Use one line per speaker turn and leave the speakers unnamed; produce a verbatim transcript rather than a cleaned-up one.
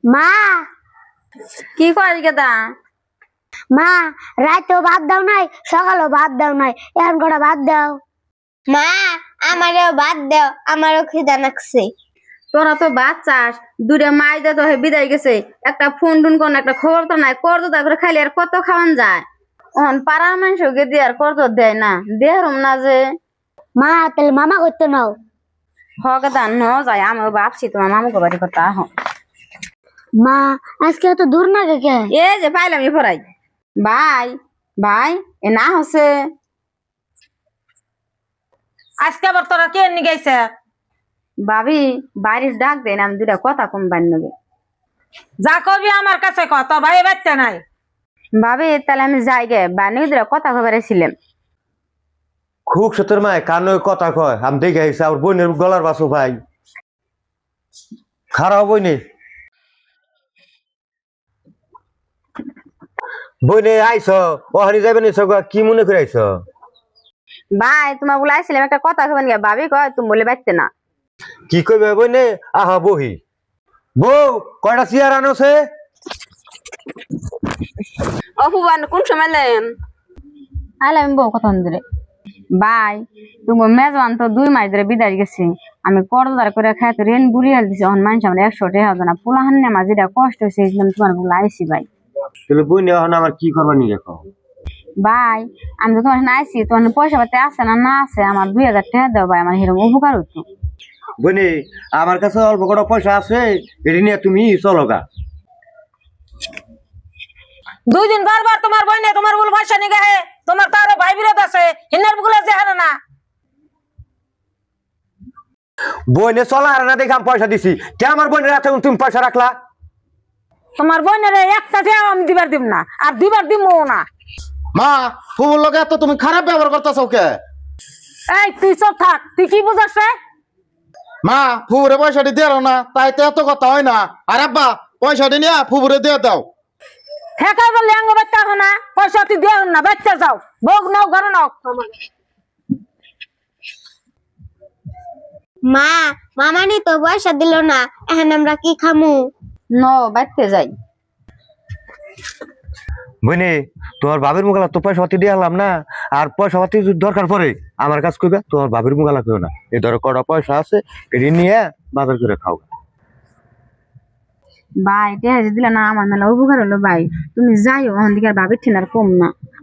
মা
কি করিস গেদা?
মা রাতেও ভাত দাও নাই, সকালেও ভাত দাও নাই, এখন কটা ভাত দাও। মা আমারও ভাত দাও, আমারও খিদা লাগছে।
তোরা তো বাচ্চাস, দূরে মাই দে তো হে বিদায় গেছে, একটা ফোন টুন কোন একটা খবর তো নাই, কর তো করে খাইলে আর কত খাওয়ান যায়। অন পাড়া মানুষকে দিয়ে আর কর তো দেয় না, দেহরম না যে।
মা তাহলে মামা করতে নাও।
হগদা ন যায়, আমিও ভাবছি তোমার মামুকে বাড়ি কথা আহ।
মা আজকে এত দূর না কে?
এ যে পাইলাম ই ফরাই ভাই ভাই এ না হচ্ছে
আজকে আবার তোরা কে নি গেছে?
ভাবি বাড়ির ডাক দেন, আমি দুটা কথা কম বান্য
যা কবি আমার কাছে ক, তোর ভাই বাচ্চা নাই।
ভাবি তাহলে আমি যাই গে, বান্য দুটা কথা খবরে ছিলাম।
খুব সতের মায় কান কথা কয়, আমি দেখে আইসি আমার বোনের গলার বাসো ভাই খারাপ বইনে বইনে আইস ওখানে যাবে না কি মনে করে আইস?
ভাই তোমার বলে আইছিলাম একটা কথা খবর গে, ভাবি কয় তুমি বলে বাচ্চা না।
কি কইবে বইনে? আহা বহি বউ কয়টা চেয়ার আনোছে?
অপুবান কোন সময় লেন আইলে আমি বউ কথা ধরে। ভাই তুমি মেজবান তো দুই মাস ধরে বিদায় গেছি, আমি করদার করে খাইতে রেন বুড়িয়ে দিছি, অন মানুষ আমার একশো টাকা হবে না, পোলাহান আমার যেটা কষ্ট হয়েছে তোমার বলে আইসি। ভাই
তাহলে বইনে এখন আমার কি করবা নি দেখো?
ভাই আমি তো তোমার আইসি, তোমার পয়সা পাতি আছে না না আছে, আমার দুই হাজার টাকা দাও ভাই, আমার এরকম উপকার হতো।
বইনে আমার কাছে অল্প কটা পয়সা আছে, এটা নিয়ে তুমি চলো গা।
দুই দিন বারবার তোমার বইনে তোমার বল ভাষা নিয়ে গায়ে, তোমার তো আরো ভাই বিরোধ আছে, হিনার গুলো যে হারে না।
বইনে চলা আর না দেখে আমি পয়সা দিছি, কে আমার বোনের হাতে তুমি পয়সা রাখলা?
তোমার বইনের একটা টাকাও আমি দিবার দিব না, আর দিবার দিমও না।
মা ফুবুর লগে তো তুমি খারাপ ব্যবহার করতেছ কে?
এই তুই চুপ থাক, তুই কি বুঝাস রে?
মা ফুবুরে পয়সাটি দেও না, তাই তো এত কথা হয় না। আর আব্বা পয়সাটি নিয়ে ফুবুরে দিয়ে দাও।
ঠেকা বললে আঙ্গ বাচ্চা হয় না, পয়সা তুই দেও না, বাচ্চা যাও, ভোগ নাও, ঘরে নাও।
মা মামানি তো পয়সা দিল না, এখন আমরা কি খামু?
ন বাড়তে যাই।
বইনে তোমার বাবির মুগালা তো পয়সা পাতি দিয়ে আলাম না, আর পয়সা পাতি যদি দরকার পড়ে আমার কাছে কইবে, তোমার বাবির মুগালা কেউ না, এই ধরো কটা পয়সা আছে এটি নিয়ে বাজার করে খাও।
ভাই টেহাজ দিলে না আমার মেলা উপকার হলো ভাই, তুমি যাইও ওখান দিকে আর ভাবির ঠিনার কম না।